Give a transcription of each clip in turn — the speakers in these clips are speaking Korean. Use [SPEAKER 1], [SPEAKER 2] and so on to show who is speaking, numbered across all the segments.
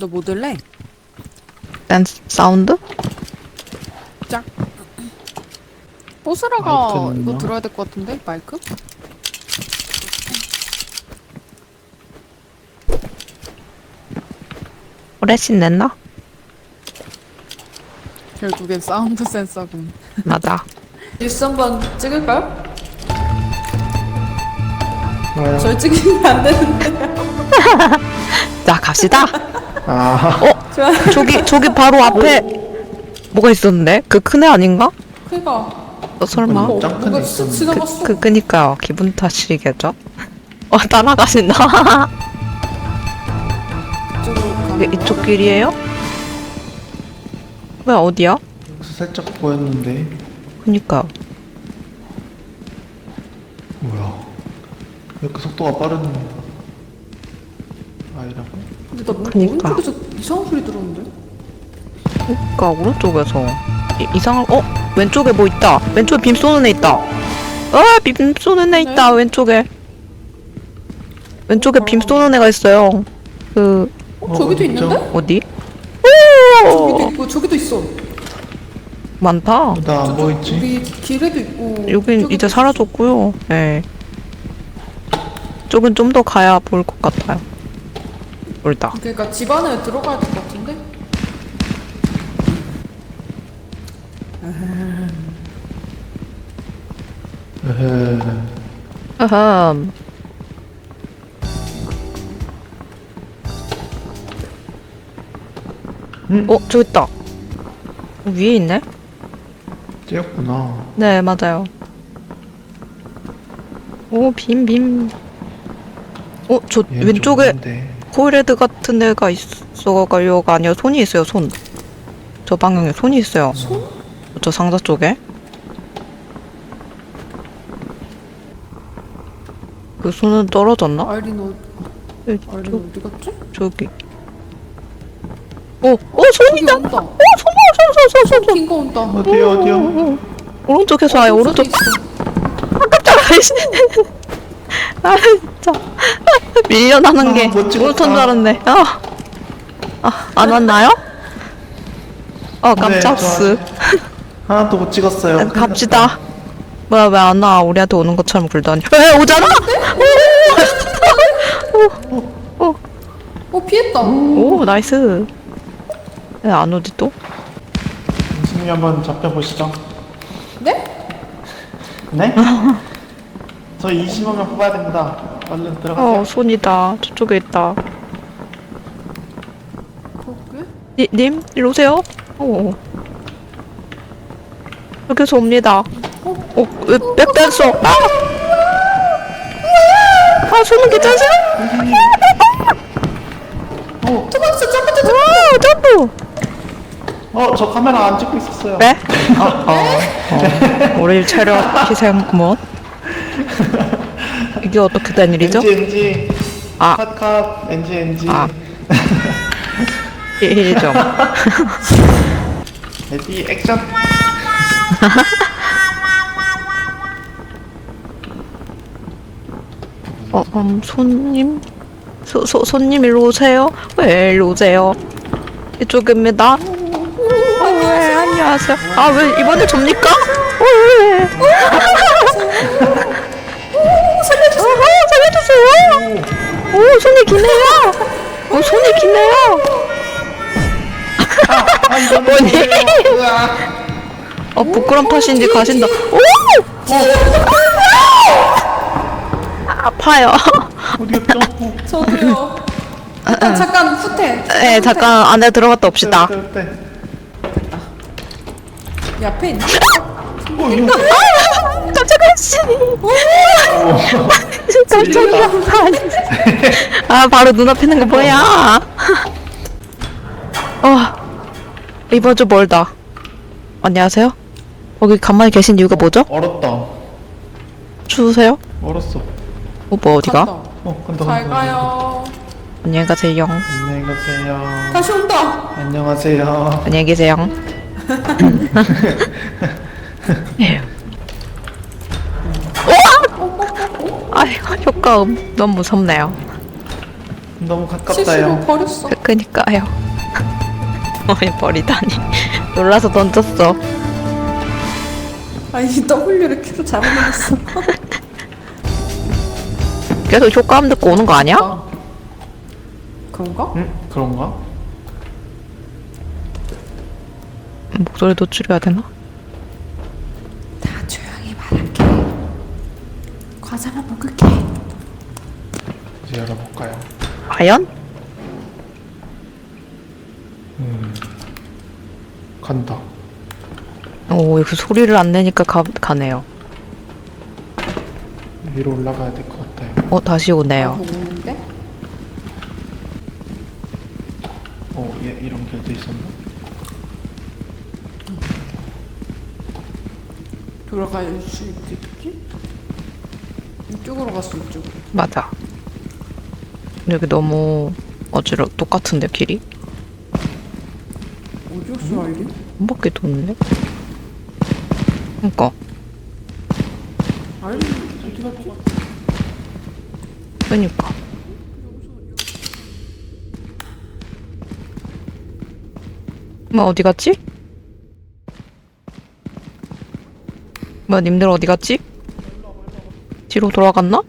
[SPEAKER 1] 너 뭐 들래?
[SPEAKER 2] 사운드?
[SPEAKER 1] 짝. 뽀스라가
[SPEAKER 3] 마이크는요?
[SPEAKER 1] 이거 들어야 될 것 같은데 마이크?
[SPEAKER 2] 오래신 냈나?
[SPEAKER 1] 결국엔 사운드 센서군.
[SPEAKER 2] 맞아.
[SPEAKER 1] 뉴스 한번 찍을까요?
[SPEAKER 3] 뭐요?
[SPEAKER 1] 저희 찍으면 안 되는데.
[SPEAKER 2] 자, 갑시다.
[SPEAKER 3] 아,
[SPEAKER 1] 좋아.
[SPEAKER 2] 저기 바로 앞에 뭐가 있었는데? 그 큰 애 아닌가?
[SPEAKER 1] 그니까
[SPEAKER 2] 설마?
[SPEAKER 3] 뭐? 짱 큰데
[SPEAKER 1] 누가
[SPEAKER 3] 있었는데.
[SPEAKER 1] 지나갔어.
[SPEAKER 2] 그니까요. 기분 탓이겠죠? 따라가신다.
[SPEAKER 1] 이쪽으로 가는
[SPEAKER 2] 이게 이쪽 길이에요? 왜 어디야?
[SPEAKER 3] 여기서 살짝 보였는데.
[SPEAKER 2] 그니까.
[SPEAKER 3] 뭐야? 왜 이렇게 속도가 빠른 아이라고?
[SPEAKER 1] 근데 나 뭔가
[SPEAKER 2] 그니까.
[SPEAKER 1] 오른쪽에서 이상한 소리 들었는데?
[SPEAKER 2] 그니까 오른쪽에서 이상한 왼쪽에 뭐 있다. 왼쪽에 빔 쏘는 애 있다. 빔 쏘는 애 있다. 왼쪽에 빔 쏘는 애가 있어요. 그
[SPEAKER 1] 저기도
[SPEAKER 3] 어디
[SPEAKER 1] 있는데?
[SPEAKER 3] 있죠?
[SPEAKER 2] 어디?
[SPEAKER 1] 저기도 있고 저기도 있어.
[SPEAKER 2] 많다.
[SPEAKER 3] 나 안 보이지?
[SPEAKER 1] 우리 길에도 있고.
[SPEAKER 2] 여긴
[SPEAKER 1] 저기도
[SPEAKER 2] 이제
[SPEAKER 1] 있어.
[SPEAKER 2] 사라졌고요. 네. 쪽은 좀 더 가야 보일 것 같아요. 멀다.
[SPEAKER 1] 그러니까 집 안에 들어가야 될 것 같은데?
[SPEAKER 3] 에헤.
[SPEAKER 2] 아흠. 저기 있다. 위에 있네?
[SPEAKER 3] 쟤였구나.
[SPEAKER 2] 네, 맞아요. 빔. 저
[SPEAKER 3] 얘는 좀
[SPEAKER 2] 왼쪽에
[SPEAKER 3] 있는데.
[SPEAKER 2] 코일헤드 같은 애가 있어가요가 아니라 손이 있어요, 손. 저 방향에 손이 있어요.
[SPEAKER 1] 손?
[SPEAKER 2] 저 상자 쪽에. 그 손은 떨어졌나?
[SPEAKER 1] 아이린
[SPEAKER 2] 네,
[SPEAKER 1] 아이린 어디 갔지?
[SPEAKER 2] 저기. 손이다!
[SPEAKER 1] 저기 온다.
[SPEAKER 2] 손!
[SPEAKER 1] 킨거 온다.
[SPEAKER 3] 어디요?
[SPEAKER 2] 오른쪽에서 와요, 오른쪽.
[SPEAKER 1] 저기 있어.
[SPEAKER 2] 깜짝이야. 아, 진짜. 밀려나는 게
[SPEAKER 3] 못 찍었다.
[SPEAKER 2] 오른쪽인 줄 알았네. 안 왔나요? 깜짝스.
[SPEAKER 3] 하나도 못 찍었어요. 큰일
[SPEAKER 2] 갑시다.
[SPEAKER 3] 났다.
[SPEAKER 2] 뭐야, 왜 안 와? 우리한테 오는 것처럼 굴다니. 오잖아?
[SPEAKER 1] 피했다.
[SPEAKER 2] 오, 나이스. 왜 안 오지 또?
[SPEAKER 3] 선생님 한번 잡혀보시죠.
[SPEAKER 1] 네?
[SPEAKER 3] 네? 저 20만 명 뽑아야 됩니다. 얼른 들어가세요.
[SPEAKER 2] 손이다. 저쪽에 있다.
[SPEAKER 1] 그러게?
[SPEAKER 2] 님, 일로 오세요. 여기서 옵니다. 왜 백댄서? 손은 괜찮으세요?
[SPEAKER 1] 도망쳐 점프.
[SPEAKER 2] 점프!
[SPEAKER 3] 저 카메라 안 찍고 있었어요.
[SPEAKER 2] 네? 우리 체력 희생 뭐? 이게 어떻게 된 일이죠?
[SPEAKER 3] NG.
[SPEAKER 2] 아.
[SPEAKER 3] 컷. NG.
[SPEAKER 2] 아. 1점.
[SPEAKER 3] 레디 액션.
[SPEAKER 2] 손님? 손님 일로 오세요? 왜 일로 오세요? 이쪽입니다. 왜 안녕하세요. 왜 이번에 접니까? 왜? 살려주세요. 손이 기네요. 손이 기네요. 뭐니? 부끄럼 탓인지 가신다. 아파요.
[SPEAKER 3] 어디 갔죠?
[SPEAKER 1] 저도요. 잠깐 후퇴.
[SPEAKER 2] 네, 잠깐 안에 들어갔다 옵시다.
[SPEAKER 1] 이 앞에 있나?
[SPEAKER 2] 깜짝이야, 씨. 깜짝이야. 바로 눈앞에 있는 거 뭐야? 이번 주 멀다. 안녕하세요? 거기 가만히 계신 이유가 뭐죠?
[SPEAKER 3] 얼었다.
[SPEAKER 2] 추우세요?
[SPEAKER 3] 얼었어.
[SPEAKER 2] 오빠 어디가?
[SPEAKER 1] 갔다.
[SPEAKER 3] 간다.
[SPEAKER 1] 잘 가요.
[SPEAKER 2] 안녕히 가세요.
[SPEAKER 3] 안녕히 가세요.
[SPEAKER 1] 다시 온다.
[SPEAKER 3] 안녕하세요.
[SPEAKER 2] 안녕히 계세요. 아이고, 효과음 너무 무섭네요.
[SPEAKER 3] 너무
[SPEAKER 1] 실수로
[SPEAKER 3] 가깝다요.
[SPEAKER 1] 버렸어.
[SPEAKER 2] 그니까요. 어이 버리다니. 놀라서 던졌어.
[SPEAKER 1] 아니 W를 Q로 잘못 눌렀어.
[SPEAKER 2] 계속 효과음 듣고 오는 거 아니야?
[SPEAKER 1] 그런가?
[SPEAKER 3] 응? 그런가?
[SPEAKER 2] 목소리 노출해야 되나?
[SPEAKER 1] 다 조용히 말할게. 과자만 먹을게.
[SPEAKER 3] 이제 열어볼까요?
[SPEAKER 2] 과연?
[SPEAKER 3] 간다.
[SPEAKER 2] 오, 이거 소리를 안 내니까 가네요.
[SPEAKER 3] 위로 올라가야 될 것 같아요.
[SPEAKER 2] 다시 오네요.
[SPEAKER 1] 오는데?
[SPEAKER 3] 얘 이런 길도 있었나?
[SPEAKER 1] 돌아갈 수 있겠지? 이쪽으로 갔어 이쪽으로.
[SPEAKER 2] 맞아. 여기 너무 똑같은데 길이?
[SPEAKER 1] 어디였어 아이리?
[SPEAKER 2] 한 바퀴 도는데? 그니까
[SPEAKER 1] 아이리 어디 갔지?
[SPEAKER 2] 그니까 뭐 어디 갔지? 뭐 님들 어디 갔지? 뒤로 돌아갔나?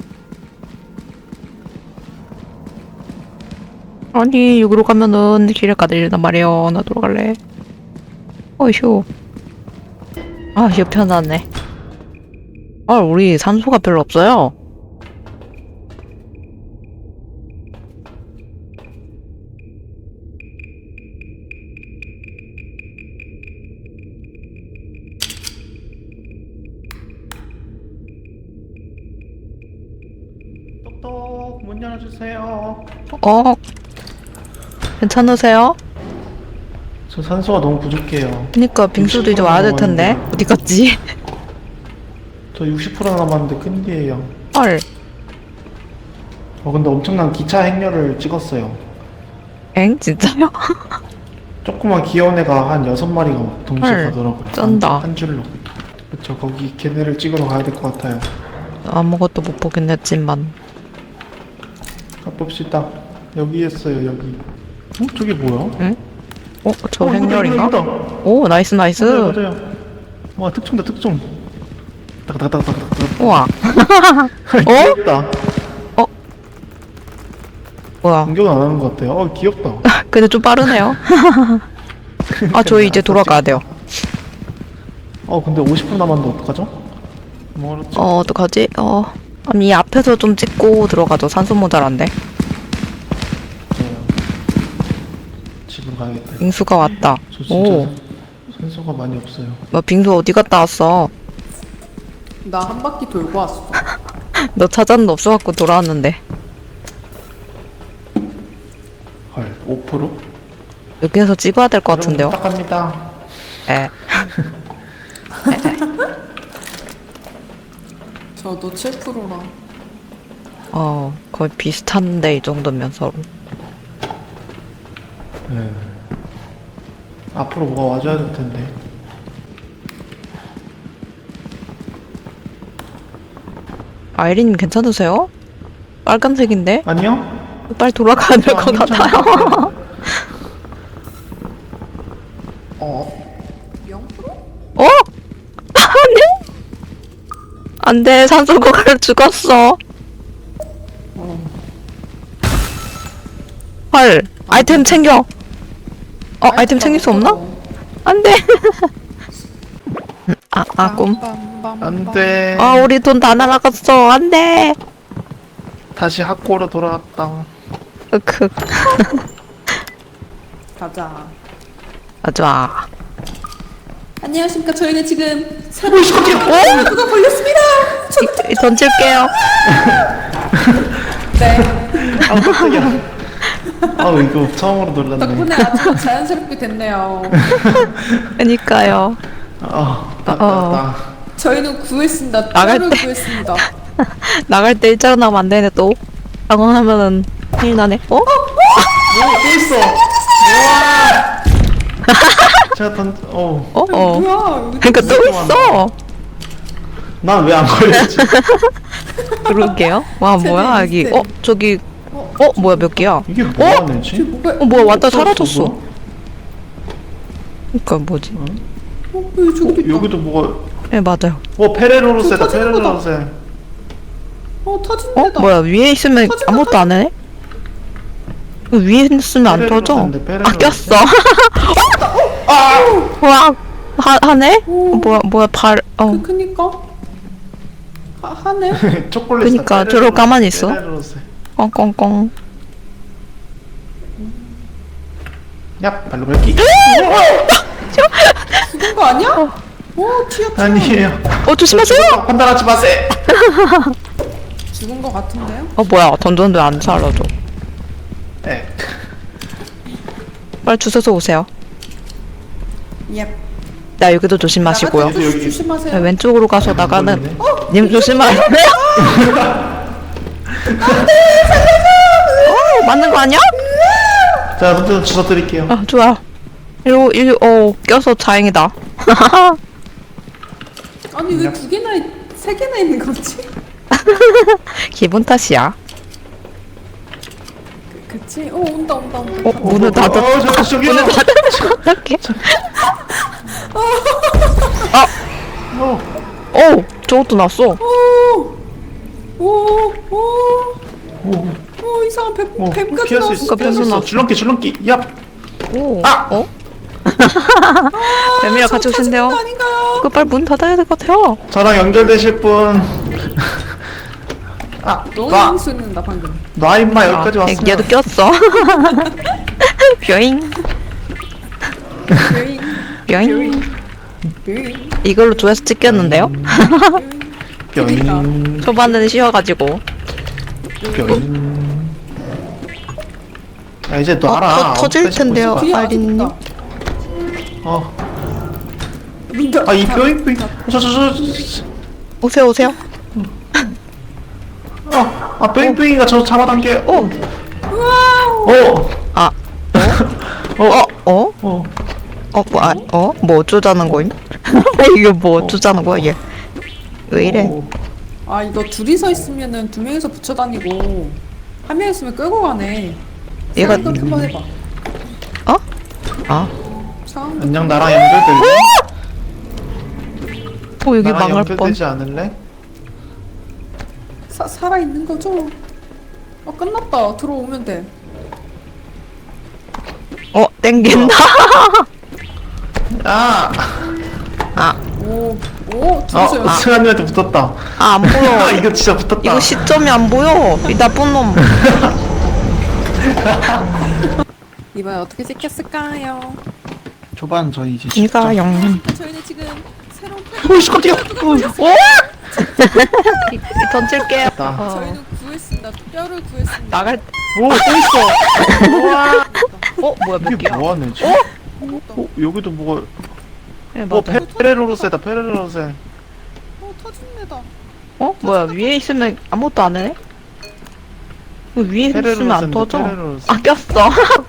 [SPEAKER 2] 아니 여기로 가면은 길을 가들린단 말이야. 나 돌아갈래. 어휴. 아 이거 편하네. 우리 산소가 별로 없어요.
[SPEAKER 3] 똑똑 문 열어주세요.
[SPEAKER 2] 괜찮으세요?
[SPEAKER 3] 저 산소가 너무 부족해요.
[SPEAKER 2] 그니까 빙수도 이제 와야 될 텐데 어디 갔지?
[SPEAKER 3] 저 60% 남았는데 큰일이에요.
[SPEAKER 2] 헐.
[SPEAKER 3] 근데 엄청난 기차 행렬을 찍었어요.
[SPEAKER 2] 엥? 진짜요?
[SPEAKER 3] 조그만 귀여운 애가 한 6마리가 동시에
[SPEAKER 2] 헐,
[SPEAKER 3] 가더라고요.
[SPEAKER 2] 쩐다.
[SPEAKER 3] 한 줄로. 그쵸, 거기 걔네를 찍으러 가야 될 것 같아요.
[SPEAKER 2] 아무것도 못 보긴 했지만
[SPEAKER 3] 가봅시다. 여기 있어요, 여기. 저게 뭐야?
[SPEAKER 2] 응? 저
[SPEAKER 3] 이거다,
[SPEAKER 2] 행렬인가?
[SPEAKER 3] 이거다.
[SPEAKER 2] 오 나이스 나이스.
[SPEAKER 3] 맞아요, 맞아요. 와, 특종다, 특종. 따닥따닥따닥따닥.
[SPEAKER 2] 우와.
[SPEAKER 3] 귀엽다.
[SPEAKER 2] 뭐야.
[SPEAKER 3] 공격은 안 하는 것 같아요. 귀엽다.
[SPEAKER 2] 근데 좀 빠르네요. 저희 이제 돌아가야 돼요.
[SPEAKER 3] 근데 50분 남았는데 어떡하죠? 멀었죠?
[SPEAKER 2] 어떡하지? 아니 앞에서 좀 찍고 들어가죠. 산소 모자란데.
[SPEAKER 3] 집으로 가야겠다.
[SPEAKER 2] 빙수가 왔다.
[SPEAKER 3] 저 진짜
[SPEAKER 2] 오.
[SPEAKER 3] 산소가 많이 없어요.
[SPEAKER 2] 뭐 빙수 어디 갔다 왔어?
[SPEAKER 1] 나 한 바퀴 돌고 왔어.
[SPEAKER 2] 너 찾았는데 없어갖고 돌아왔는데.
[SPEAKER 3] 헐, 5%?
[SPEAKER 2] 여기에서 찍어야 될 것 같은데요?
[SPEAKER 3] 부탁합니다.
[SPEAKER 2] 에.
[SPEAKER 1] 저도 7%라.
[SPEAKER 2] 거의 비슷한데 이 정도면 서로.
[SPEAKER 3] 네. 앞으로 뭐가 와줘야 될 텐데.
[SPEAKER 2] 아이린 괜찮으세요? 빨간색인데?
[SPEAKER 3] 아니요?
[SPEAKER 2] 빨리 돌아가야 될 것 같아요.
[SPEAKER 1] 0%?
[SPEAKER 2] 아니? 안 돼, 산소고갈 죽었어. 헐, 아이템 챙겨. 아이템 챙길 수 없나? 안 돼. 꿈.
[SPEAKER 3] 안 돼.
[SPEAKER 2] 우리 돈 다 날아갔어. 안 돼.
[SPEAKER 3] 다시 학고로 돌아왔다.
[SPEAKER 2] 흑흑.
[SPEAKER 1] 가자.
[SPEAKER 2] 좋아.
[SPEAKER 1] 안녕하십니까. 저희는 지금 사람 누가 걸렸습니다.
[SPEAKER 2] 던질게요.
[SPEAKER 1] 네.
[SPEAKER 3] 깜짝이야. 이거 처음으로 놀랐네.
[SPEAKER 1] 덕분에 아주 자연스럽게 됐네요.
[SPEAKER 2] 그니까요.
[SPEAKER 1] 저희는 구했습니다.
[SPEAKER 2] 나갈
[SPEAKER 1] 를
[SPEAKER 2] 때.
[SPEAKER 1] 구했습니다.
[SPEAKER 2] 나갈 때 일자로 나면 안 되네, 또. 당황하면은 큰일 나네.
[SPEAKER 3] 또 있어. 우와. 제가
[SPEAKER 1] 뭐야? 여기
[SPEAKER 2] 그니까 또 있어.
[SPEAKER 3] 난 왜 안 걸렸지?
[SPEAKER 2] 그러게요. 와, 뭐야, 여기.
[SPEAKER 1] 재밌네.
[SPEAKER 2] 저기, 뭐야 몇 개야?
[SPEAKER 3] 이게 뭐가 되지?
[SPEAKER 1] 뭐가?
[SPEAKER 2] 뭐야 왔다
[SPEAKER 3] 없었어,
[SPEAKER 2] 사라졌어.
[SPEAKER 3] 뭐야?
[SPEAKER 2] 그니까 뭐지?
[SPEAKER 1] 왜 저기도 있다.
[SPEAKER 3] 여기도 뭐가
[SPEAKER 2] 네 맞아요.
[SPEAKER 3] 페레로로세다
[SPEAKER 1] 저 터지는 거다.
[SPEAKER 3] 페레로로세.
[SPEAKER 1] 터진 데다.
[SPEAKER 2] 뭐야 위에 있으면
[SPEAKER 1] 터진다,
[SPEAKER 2] 아무것도 안 해? 이거 위에 있으면 안
[SPEAKER 3] 페레로로
[SPEAKER 2] 터져?
[SPEAKER 3] 샌데, 페레로로.
[SPEAKER 2] 아 꼈어. 와 하네? 뭐야
[SPEAKER 1] 그니까. 하네.
[SPEAKER 3] 초콜릿.
[SPEAKER 2] 그니까 저러 가만히 있어.
[SPEAKER 3] 페레로로세.
[SPEAKER 2] 꽁꽁꽁.
[SPEAKER 3] 야 발로 밟기.
[SPEAKER 1] 죽은 거 아니야? 튀어.
[SPEAKER 3] 아니에요.
[SPEAKER 2] 조심하세요.
[SPEAKER 3] 판단하지 마세요.
[SPEAKER 1] 죽은 거 같은데요?
[SPEAKER 2] 뭐야 던졌는데 안 살아줘.
[SPEAKER 3] 네.
[SPEAKER 2] 빨리 주워서 오세요.
[SPEAKER 1] 예.
[SPEAKER 2] 나 여기도 조심하시고요.
[SPEAKER 3] 여기.
[SPEAKER 2] 네,
[SPEAKER 1] 조심하세요.
[SPEAKER 2] 왼쪽으로 가서 나가는
[SPEAKER 3] 보이네.
[SPEAKER 2] 님 조심하세요. 맞는 거 아니야?
[SPEAKER 3] 자 먼저 주워 드릴게요.
[SPEAKER 2] 좋아. 껴서 다행이다.
[SPEAKER 1] 아니 왜 두 개나 세 개나 있는 거지?
[SPEAKER 2] 기분 탓이야.
[SPEAKER 1] 그치? 온다.
[SPEAKER 2] 문을 닫았.
[SPEAKER 3] 저기요.
[SPEAKER 2] 어떡해.
[SPEAKER 3] 어.
[SPEAKER 2] 저것도 났어.
[SPEAKER 1] 오 이상한 뱀까지
[SPEAKER 3] 피할 수
[SPEAKER 1] 나왔어.
[SPEAKER 3] 있어. 피할 수
[SPEAKER 2] 뱀도
[SPEAKER 3] 있어.
[SPEAKER 2] 나왔어.
[SPEAKER 3] 줄넘기. 얍.
[SPEAKER 2] 뱀이랑 같이 오신대요.
[SPEAKER 1] 아닌가요?
[SPEAKER 2] 빨리 문 닫아야 될 것 같아요.
[SPEAKER 3] 저랑 연결되실 분.
[SPEAKER 1] 너무 향수 있는다 방금.
[SPEAKER 3] 놔 임마 여기까지 왔으면.
[SPEAKER 2] 얘도 꼈어. 뿅잉. 뿅잉. 이걸로 조회수 찍혔는데요?
[SPEAKER 3] 뿅.
[SPEAKER 2] 초반에는 쉬어가지고.
[SPEAKER 3] 뿅. 야 이제 놔라.
[SPEAKER 2] 터질 텐데요.
[SPEAKER 1] 뒤에 아직
[SPEAKER 2] 아린님.
[SPEAKER 1] 있다.
[SPEAKER 3] 이 뿅.
[SPEAKER 2] 오세요.
[SPEAKER 3] 뿅뿅이가 저 잡아당겨.
[SPEAKER 2] 뭐 어쩌자는 거임? 이게 뭐 어쩌자는 거야 얘? 왜 이래?
[SPEAKER 1] 이거 둘이서 있으면은 두 명이서 붙여 다니고 한 명 있으면 끌고 가네.
[SPEAKER 2] 얘가
[SPEAKER 1] 생각 한번 해봐. 상황
[SPEAKER 3] 안녕 나랑 연결될래?
[SPEAKER 2] 여기
[SPEAKER 3] 나랑
[SPEAKER 2] 망할 뻔.
[SPEAKER 3] 연결되지 않을래?
[SPEAKER 1] 살아 있는 거죠? 끝났다. 들어오면 돼.
[SPEAKER 2] 땡긴다.
[SPEAKER 1] 오 둘이서요.
[SPEAKER 3] 승환이한테 붙었다.
[SPEAKER 2] 안 보여.
[SPEAKER 3] 이거 진짜 붙었다.
[SPEAKER 2] 이거 시점이 안 보여. 이 나쁜 놈.
[SPEAKER 1] 이번에 어떻게 찍혔을까요?
[SPEAKER 3] 초반 저희 이제
[SPEAKER 2] 이가영.
[SPEAKER 1] 저희는 지금 새로운
[SPEAKER 3] 오이씨 깜짝이야.
[SPEAKER 2] 던질게요.
[SPEAKER 1] 저희는 구했습니다. 뼈를 구했습니다.
[SPEAKER 2] 나갈.
[SPEAKER 3] 오또 있어.
[SPEAKER 2] 뭐야 몇
[SPEAKER 3] 이게
[SPEAKER 2] 개야?
[SPEAKER 3] 뭐하네 지 여기도 뭐가
[SPEAKER 2] 네, 맞아.
[SPEAKER 3] 페레로로세다 페레로로세.
[SPEAKER 1] 터진 데다.
[SPEAKER 2] 뭐야 위에 있으면 아무것도 안 해? 위에 있으면 안 터져.
[SPEAKER 3] 페레로로세.
[SPEAKER 2] 꼈어.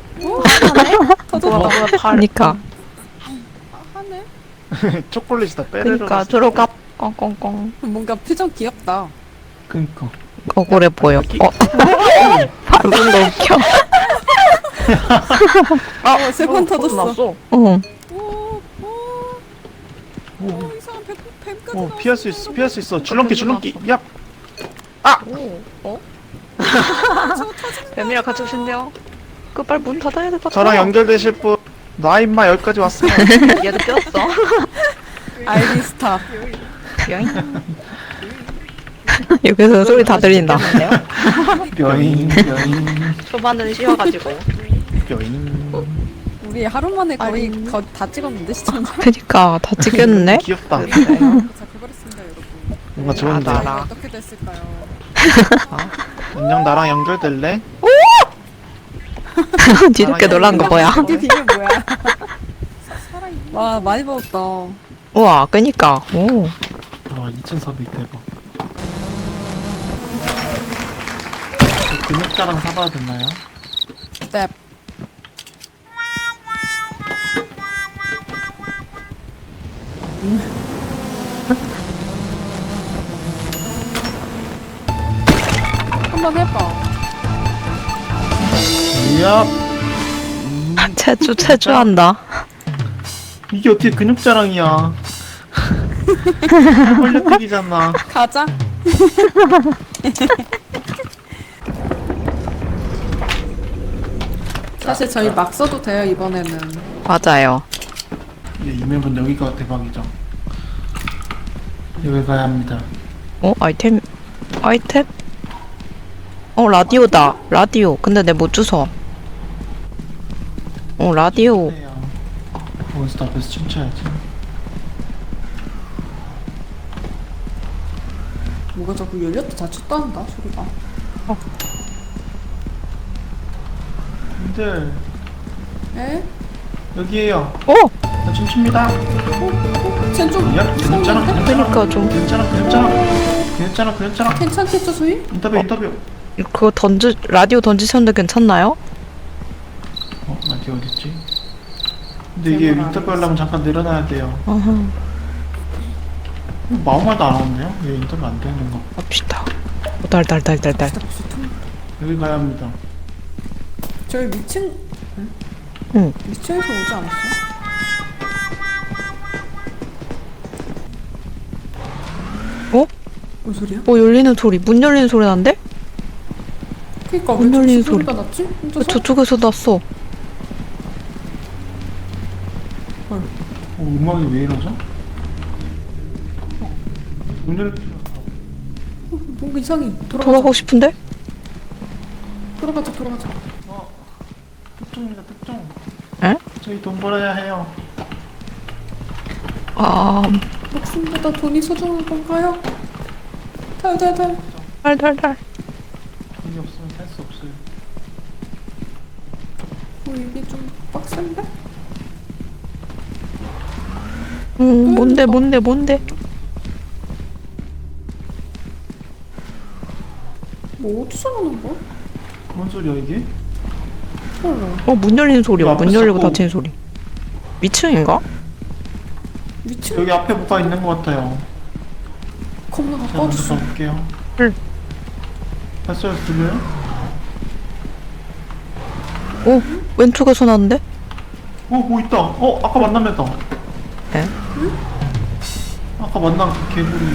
[SPEAKER 1] 터졌다.
[SPEAKER 2] 그니까.
[SPEAKER 1] 하네.
[SPEAKER 3] 초콜릿이다 페레로로세.
[SPEAKER 2] 그니까 들어가. 꽁꽁꽁.
[SPEAKER 1] 뭔가 표정 귀엽다.
[SPEAKER 3] 그니까.
[SPEAKER 2] 억울해 보여. 방금 너 웃겨.
[SPEAKER 1] 세 번 터졌어.
[SPEAKER 2] 응.
[SPEAKER 1] 오 이상한 뱀까지 나왔어.
[SPEAKER 3] 피할 수 있어 피할 수 있어. 줄넘기. 얍.
[SPEAKER 2] 뱀이랑 같이 오신대요. 빨리 문 닫아야 될 것 같아.
[SPEAKER 3] 저랑 연결되실 분. 나 임마 여기까지 왔으면.
[SPEAKER 2] 얘도 꼈어.
[SPEAKER 1] 알리스타.
[SPEAKER 2] 여기서 소리 다 들린다.
[SPEAKER 3] 뼈잉 뼈잉
[SPEAKER 2] 초반은 쉬어가지고.
[SPEAKER 3] 뼈잉.
[SPEAKER 1] 우리 하루 만에 거의 다 찍었는데 시청자.
[SPEAKER 2] 그니까 다 찍혔네.
[SPEAKER 3] 귀엽다.
[SPEAKER 1] 자 그거랬습니다 여러분.
[SPEAKER 3] 뭔가 좋은데.
[SPEAKER 2] 알아.
[SPEAKER 1] 어떻게 됐을까요?
[SPEAKER 3] 안녕 나랑 연결될래?
[SPEAKER 2] 뒤늦게 놀란 거 뭐야?
[SPEAKER 1] 이게 뭐야? 와 많이 먹었다.
[SPEAKER 2] 우와, 그니까. 오.
[SPEAKER 3] 2,400 대박. 근육자랑 사봐야 되나요?
[SPEAKER 1] 네. 한번 해봐.
[SPEAKER 3] 이야.
[SPEAKER 2] 체주한다.
[SPEAKER 3] 이게 어떻게 근육 자랑이야. 벌려뛰기잖아.
[SPEAKER 1] 가자. 사실 저희 막 써도 돼요 이번에는.
[SPEAKER 2] 맞아요.
[SPEAKER 3] 예, 이 맵은 여기가 대박이죠. 여기 가야 합니다.
[SPEAKER 2] 아이템? 라디오다. 라디오. 근데 내 못 주워. 라디오.
[SPEAKER 3] 몬스터 앞에서 춤춰야지.
[SPEAKER 1] 뭐가 자꾸 열렸다 닫혔다 한다 소리가.
[SPEAKER 3] 님들
[SPEAKER 1] 에?
[SPEAKER 3] 여기에요. 나 춤춥니다.
[SPEAKER 1] 쟨좀
[SPEAKER 3] 야, 괜찮아.
[SPEAKER 2] 그러니까 좀
[SPEAKER 3] 괜찮아.
[SPEAKER 1] 괜찮겠죠 소희?
[SPEAKER 3] 인터뷰.
[SPEAKER 2] 그거 라디오 던지셨는데 괜찮나요?
[SPEAKER 3] 라디오 어딨지? 근데 이게
[SPEAKER 1] 제목 안
[SPEAKER 3] 인터뷰 하려면 잠깐 내려놔야 돼요. 마음말도 안 하는데요? 왜 인터뷰 안 되는 거?
[SPEAKER 2] 갑시다. 달달달달달.
[SPEAKER 3] 여기 가야 합니다.
[SPEAKER 1] 저희 미층
[SPEAKER 2] 응.
[SPEAKER 1] 미층에서 오지 않았어? 뭔 소리야?
[SPEAKER 2] 열리는 소리. 문 열리는 소리 난데?
[SPEAKER 1] 그니까
[SPEAKER 2] 문
[SPEAKER 1] 왜
[SPEAKER 2] 열리는
[SPEAKER 1] 저쪽 소리가 났지? 혼자서?
[SPEAKER 2] 저쪽에서 났어.
[SPEAKER 3] 음악이 왜 이러죠? 오늘
[SPEAKER 1] 뭔가 이상해.
[SPEAKER 2] 돌아가고 싶은데?
[SPEAKER 1] 돌아가자.
[SPEAKER 3] 특종입니다. 특종.
[SPEAKER 2] 에?
[SPEAKER 3] 저희 돈 벌어야 해요.
[SPEAKER 1] 목숨보다 돈이 소중한 건가요? 달.
[SPEAKER 2] 달달달.
[SPEAKER 3] 돈이 없으면 살 수 없어요.
[SPEAKER 1] 이게 좀 빡센데?
[SPEAKER 2] 뭔데?
[SPEAKER 1] 뭐 어디서 나는 거야?
[SPEAKER 3] 뭔 소리야 이게?
[SPEAKER 1] 몰라.
[SPEAKER 2] 문 열리는 소리야.
[SPEAKER 3] 앞에
[SPEAKER 2] 문 열리고
[SPEAKER 3] 자꾸-
[SPEAKER 2] 닫히는 소리. 위층인가?
[SPEAKER 1] 미친
[SPEAKER 3] 여기 앞에 뭐가 있는 것 같아요.
[SPEAKER 1] 겁나
[SPEAKER 3] 제가 먼저
[SPEAKER 1] 가까워졌어.
[SPEAKER 3] 가볼게요.
[SPEAKER 2] 응.
[SPEAKER 3] 발소리 들려요?
[SPEAKER 2] 왼쪽에서 났는데?
[SPEAKER 3] 뭐 있다. 아까 만난 애다.
[SPEAKER 2] 에?
[SPEAKER 3] 아까 만난 그 개구리.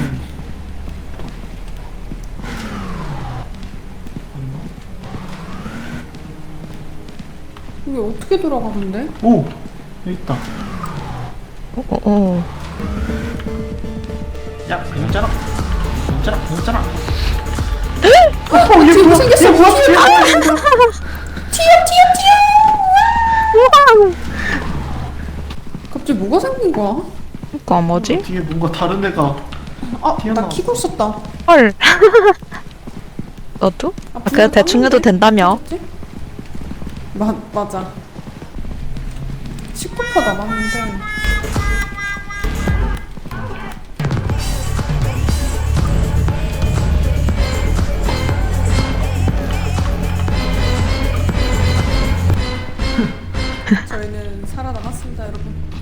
[SPEAKER 1] 이게 어떻게 돌아가는데?
[SPEAKER 3] 오! 여기 있다. 야, 괜찮아.
[SPEAKER 1] 뒤에 뭐 생겼어?
[SPEAKER 3] 얘 뭐야?
[SPEAKER 1] 튀어! 갑자기 뭐가 생긴 거야?
[SPEAKER 2] 그니까 뭐지?
[SPEAKER 3] 뒤에 뭔가 다른 애가
[SPEAKER 1] 나
[SPEAKER 3] 튀어나왔어.
[SPEAKER 1] 키고 있었다.
[SPEAKER 2] 헐. 너도? 그냥 대충 해도 된다며.
[SPEAKER 1] 맞아. 19% 남았는데. 저희는 살아남았습니다, 여러분.